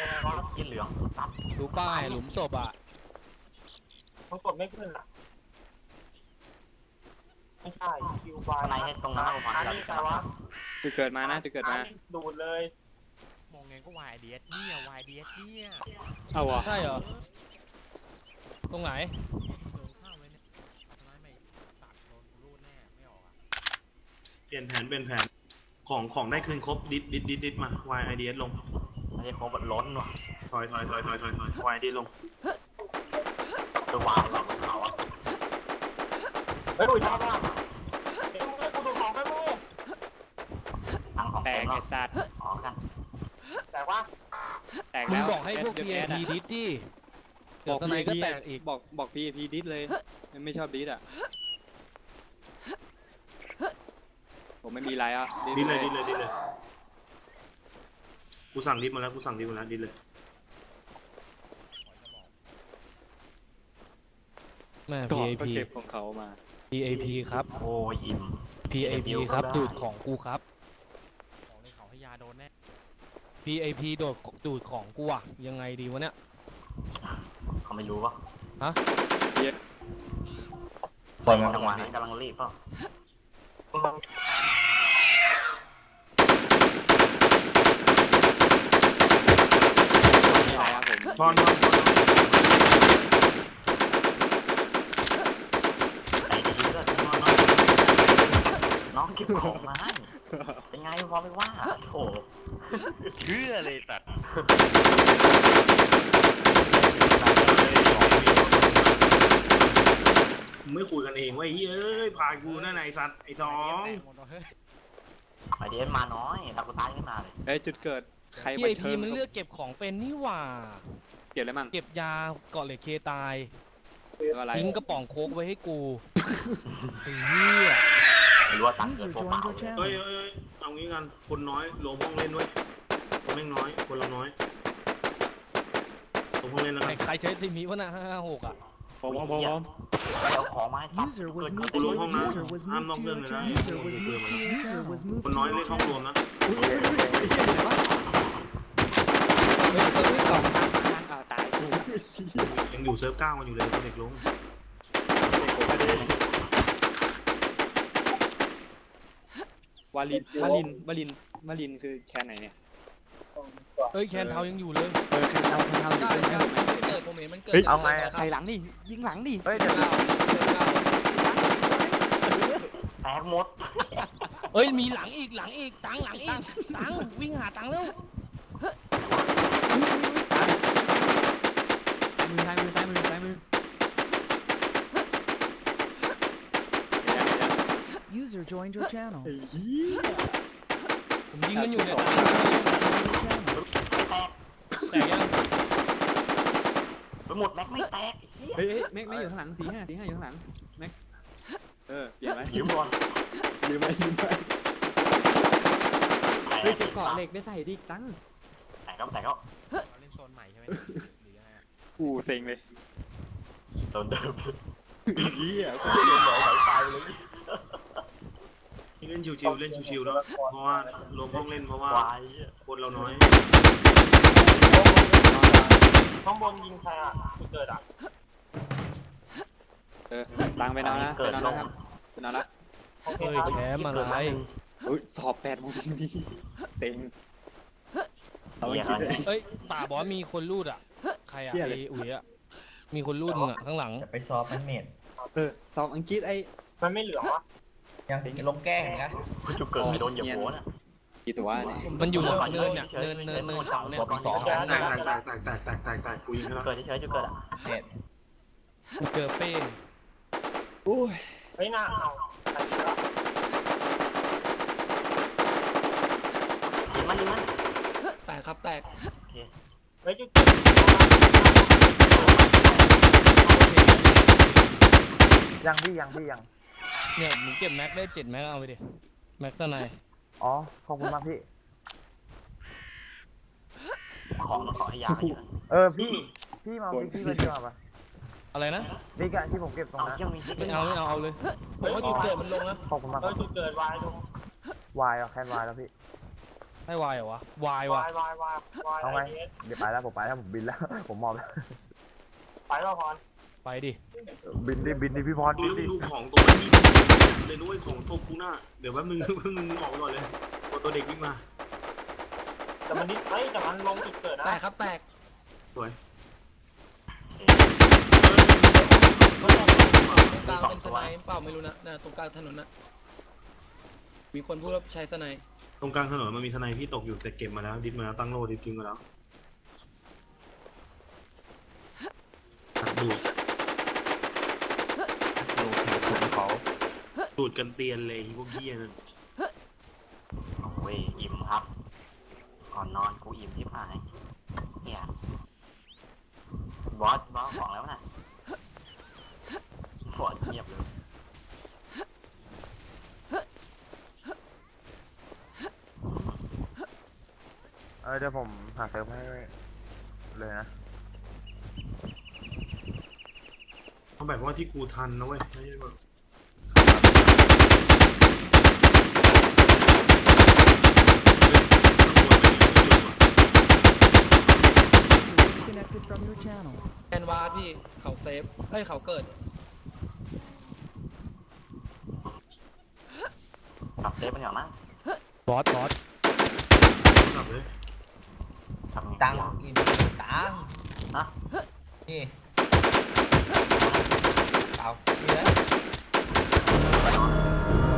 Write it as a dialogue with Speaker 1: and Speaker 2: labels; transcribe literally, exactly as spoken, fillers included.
Speaker 1: ยังไงวะกินเหลืองสัตว์
Speaker 2: ดูป้ายหลุมศพอ่ะ
Speaker 1: มันกดไม่ขึ้นอ่ะไม่ใช่คิวบายในตรงนั้นผมอันนี้แต่ว่า
Speaker 3: จะเกิดมานะจะเกิดมา
Speaker 1: ดูดเลย
Speaker 4: มองไงก็วายเดียสเนี่ยวายเดียสเนี่ย
Speaker 3: เอาวะ
Speaker 2: ใช่เหรอตรงไหน
Speaker 4: เดินข้ามไว้เนี่ยทำไมไม่ตัดโดนกูรูดแน่ไม่ออกอ่ะ
Speaker 5: เปลี่ยนแผนเปลี่ยนแผนของของได้คืนครบดิดดิดดิดดิดมาวายไอเดียลง
Speaker 1: ไม่ใช่ของบดล้นว่ะ
Speaker 5: ถอยถอยถอยถอยถอยถอยวายดีลง
Speaker 1: ตัววายแบบเขาอ่ะเฮ้ยดูชอบมากเฮ้ยกูดูของไปมั้ยทั้งของแตกไอ้สัตว์อ๋อกันแต่ว่า
Speaker 3: แตกแล้ว
Speaker 2: มึงบอกให้พวก พี เอ พี ดิสดิเดี๋ยวสไนก็แตกอีก
Speaker 3: บอกบอก พี เอ พี ดิสเลยไม่ชอบดิสอ่ะผมไม่มีไรอ่ะ
Speaker 5: ดิสเลยดิสเลยดิสเลยกูสั่งดิสมาแล้วกูสั่งดิสมาแล้วดิสเลย
Speaker 2: แม่
Speaker 3: พี
Speaker 2: พี
Speaker 3: เอ
Speaker 2: พี
Speaker 3: เก็บของเขามา
Speaker 2: พี เอ พี ครับ
Speaker 1: โอ้ยอิ่ม
Speaker 2: พี เอ พี ครับดูดของกูครับ
Speaker 4: ของในเขาให้ยาโดนแน่
Speaker 2: พี เอ พี โดดดูดของกูอ่ะยังไงดีวะเนี่ย
Speaker 1: เขาไม่รู้ปะ
Speaker 2: ฮะ
Speaker 1: ปล่อยมันจังหวะนั้นกำลังรีบเปล่า
Speaker 5: ทอน
Speaker 1: ไอ้ดีก็ใช่ไหมน้องเก็บของมาให้เป็นไงพอไม่ว่าโถ
Speaker 4: เชื่อเลยสัตว์
Speaker 5: ไม่คุยกันเองว่าเฮ้ยผ่านกูนั่นไอ้สัตว์ไอ้สอง
Speaker 1: ไอเดียนมาน้อยตากูตายขึ้นมาเลย
Speaker 3: เอ้ยจุดเกิดใคร
Speaker 2: พี
Speaker 3: มา
Speaker 2: เอ
Speaker 3: เชิ
Speaker 2: พี
Speaker 3: ญ
Speaker 2: มันเลือกเก็บของเป็นนี่หว่า
Speaker 3: เก็บอะไรมั่ง
Speaker 2: เก็บยาเกาะเหล็กเคตาย
Speaker 3: อะไร
Speaker 2: ทิ้งกระป๋องโค้กไว้ให้กูไอ้เหี้ย
Speaker 1: ไม่รู้ว่าตังค์เกิดพวกเปล่า
Speaker 5: เฮ้ยเฮ้ยเอางี้กันคนน้อยลงห้องเล่นด้วยคนแม่งน้อยคนเราน้อยลงห้องเล่นแล้วกัน
Speaker 2: ใครใช้ซิมิวะนะห้าหกอ่ะ
Speaker 3: พร้อมพร้อมพร้อม
Speaker 1: เอาของมาให้สัตว์เกิดกูลงห้องนะ
Speaker 5: ห้ามนอกเรื่องเลยนะคนน้อยเล่นห้องรวมนะ
Speaker 3: ตายกู
Speaker 5: ยังอยู่เซิร์ฟเก้ากันอยู่เลยเด็กลง
Speaker 3: วาลินวาลินวาลินวาลินคือแคนไหนเนี่ย
Speaker 2: เอ้ยแคนเทายังอยู่เลย
Speaker 3: เออแคนเทาแคนเทาอยู่เลย
Speaker 2: เกิดโมเมนต์มันเกิด
Speaker 1: เอาไง
Speaker 3: ใครหลังดิยิงหลังดิ
Speaker 1: เฮ้ยเดี๋ยวเราแตกหมด
Speaker 2: เอ้ยมีหลังอีกหลังอีกตังหลังอีกตังวิ่งหาตังแล้ว
Speaker 3: มือซ้ายมือซ้ายมือซ้ายมือ
Speaker 6: User joined your channel
Speaker 2: ผมยิงมันอยู่เนี่ยแตกยัง
Speaker 1: ไปหมดแม็กไม่แตก
Speaker 3: เฮ้ยแม็กไม่อยู่ข้างหลังสี่ห้าสี่ห้าอยู่ข้างหลังแม็กเออเปลี่ยนไหม
Speaker 1: ยืมก่อน
Speaker 3: ยืมไหมยืมไหมเฮ้ยเก็บเกาะเหล็กได้ใส่ดิตั้ง
Speaker 1: แตกก็แตกก็
Speaker 4: เราเล่นโซนใหม่ใช่ไหมหรือยังไง
Speaker 3: กูเซ็งเลย
Speaker 1: โซนเดิม
Speaker 3: เหี้ย
Speaker 1: กูเล่นหน่อยสายไฟเลย
Speaker 5: เล่นชิวๆเล่นชิวๆแล้วเพราะว่าลงห้องเล่นเพราะว่าคนเราน้อย
Speaker 1: ข้างบนยิงใครอ่ะเกิดอ่ะ
Speaker 3: เออตังไปนอนนะไปนอนนะครับไปนอนละ
Speaker 2: เฮ้ยแชมป์อะไร
Speaker 3: เฮ้ยสอบแปดโมงดีเซ็งเอาไม่คิดเลย
Speaker 2: เอ้ยป่าบอกว่ามีคนรูดอ่ะใครอ่ะไอ้อุ๋ยอ่ะมีคนรูดมึงอ่ะข้างหลัง
Speaker 1: จะไปสอบมันเมด
Speaker 3: เออสอบอังกฤษไอ้
Speaker 1: มันไม่เหลือวะยังลงแก้นะจุกเกิดไม่โดนเหยียบหัวนะ
Speaker 3: กี่ตัวเนี่ย
Speaker 2: มันอยู่เนินเนี่ยเนินเนินเนินเสาเนี่ย
Speaker 1: สอง
Speaker 5: แตกแตกแตกแตกแตกแตกแตกแตกกูยิงแล้ว
Speaker 1: เกิดเฉยๆจุกเกิดอ่ะเน็ต
Speaker 2: กูเจอเป้ง
Speaker 3: โอ้ย
Speaker 1: ไม่น่าเอายิงมันยิงมัน
Speaker 2: แตกครับแตก
Speaker 1: ไม่จุกยังพี่ยังพี่ยัง
Speaker 2: เนี่ยมึงเก็บแม็กได้เจ็ดแม็กเอาไปดิแม็กตัวไหน
Speaker 1: อ๋อขอบคุณมากพี่ของมาขอให้ยาเออพี่พี่มาพี่มาเจอป่ะ
Speaker 2: อะไรนะ
Speaker 1: นี่การที่ผมเก็บตรงนั้น
Speaker 2: ไม่เอาไม่เอาเอาเลยผมว่าจุดเกิดมันลงนะ
Speaker 1: ขอบคุณมากจุดเกิดวายลงวายอ่ะแค่วายแล้วพี่
Speaker 2: ให้วายเหรอวะวายว
Speaker 1: ายวายวายวาย
Speaker 7: เอาไง
Speaker 1: ไอเอส
Speaker 7: เดี๋ยวไปแล้วผมไปแล้วผมบินแล้ว ผมมอบแล้ว
Speaker 1: ไปแล้วพร
Speaker 2: ไปดิ
Speaker 7: บินดิบินดิพี่พร
Speaker 5: ดู
Speaker 7: บินดิ
Speaker 5: ดูของตัวนี้เลยด้วยของตัวกูหน้าเดี๋ยวแป๊บนึงแป๊บนึงออกไปก่อนเลยตัวตัวเด็กวิ่งมา
Speaker 1: แต่มันนิดเฮ้ยแต่มันลงจุดเกิดนะ
Speaker 4: แตกครับแตก
Speaker 5: สวย
Speaker 4: ตรงกลางเป็นสไนเปล่าไม่รู้นะน่ะตรงกลางถนนนะมีคนพูดว่าใช้สไน
Speaker 5: ตรงกลางถนนมันมีทนายพี่ตกอยู่แต่เก็บมาแล้วดิสมาแล้วตั้งโล่ดิสทิ้งมาแล้วดูด
Speaker 3: ดูดูเขา
Speaker 5: ดูดกันเตียนเลยพวกเหี้ยนั่น
Speaker 1: โอ้ยอิ่มครับก่อนนอนกูอิ่มที่ผายเนี่ยบอสบอสของแล้วน่ะบอสเงียบเลย
Speaker 7: เออเดี๋ยวผมหาเซิร์ฟให้เลยนะ
Speaker 5: เอาแบบว่าที่กูทันนะเว้ยไม่ใช่แบบ
Speaker 6: User disconnected from your channel.
Speaker 4: แอนวาร์ดพี่เขาเซฟเอ้ยเขาเกิด
Speaker 1: ขับเซฟมันอย่างนั้น
Speaker 2: บอสบอส
Speaker 5: กลับเลย
Speaker 1: ขับมี
Speaker 3: ตัง
Speaker 1: อย่าง
Speaker 3: อินตัง
Speaker 1: ฮะ
Speaker 3: นี่เอานี่เลย
Speaker 1: ไปนอน